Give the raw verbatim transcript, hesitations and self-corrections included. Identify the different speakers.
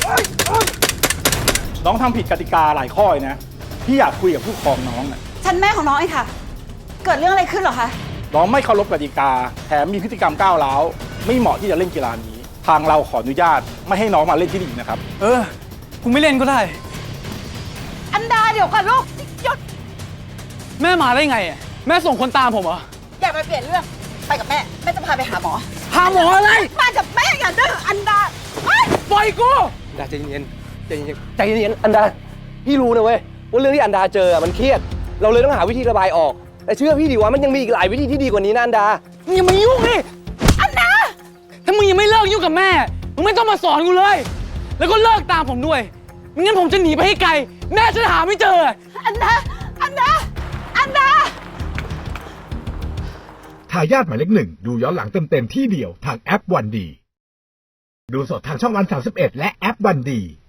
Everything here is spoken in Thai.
Speaker 1: น้องทำผิดกติกาหลายข้อนะพี่อยากคุยกับผู้ปกครองน้องน่ะ
Speaker 2: ฉันแม่ของน้องเองค่ะเกิดเรื่องอะไรขึ้นเหรอคะ
Speaker 1: น้องไม่เคารพกติกาแถมมีพฤติกรรมก้าวร้าวไม่เหมาะที่จะเล่นกีฬานี้ทางเราขออนุญาตไม่ให้น้องมาเล่นที่นี่นะครับ
Speaker 3: เออกูไม่เล่นก็ได้
Speaker 2: อันดาเดี๋ยวก่อนลูกหยุด
Speaker 3: แม่มาได้ไงอ่ะแม่ส่งคนตามผมเหรอ
Speaker 2: อย่ามาเปลี่ยนเรื่องไปกับแม่แม่จะพาไปหาหมอ
Speaker 3: หาหมออะไร
Speaker 2: มากับแม่อย่าดื้ออันดา
Speaker 3: ปล่อยกู
Speaker 4: อันดาใจเย็นใจเย็นใจเย็นอันดาพี่รู้นะเว้ยว่าเรื่องที่อันดาเจอมันเครียดเราเลยต้องหาวิธีระบายออกแต่เชื่อพี่ดิว่ามันยังมีอีกหลายวิธีที่ดีกว่านี้นะอันดา
Speaker 3: มึงอย่ามายุ่งดิ
Speaker 2: อันดา
Speaker 3: ถ้ามึงยังไม่เลิกยุ่งกับแม่มึงไม่ต้องมาสอนกูเลยแล้วก็เลิกตามผมด้วยไม่งั้นผมจะหนีไปให้ไกลแม่จะหาไม่เจอ
Speaker 2: อันดาอันดาอันดา
Speaker 5: ทายาทหมายเลขหนึ่งดูย้อนหลังเต็มๆที่เดียวทางแอปวันดีดูสดทางช่องวันสามสิบเอ็ดและแอปวันดี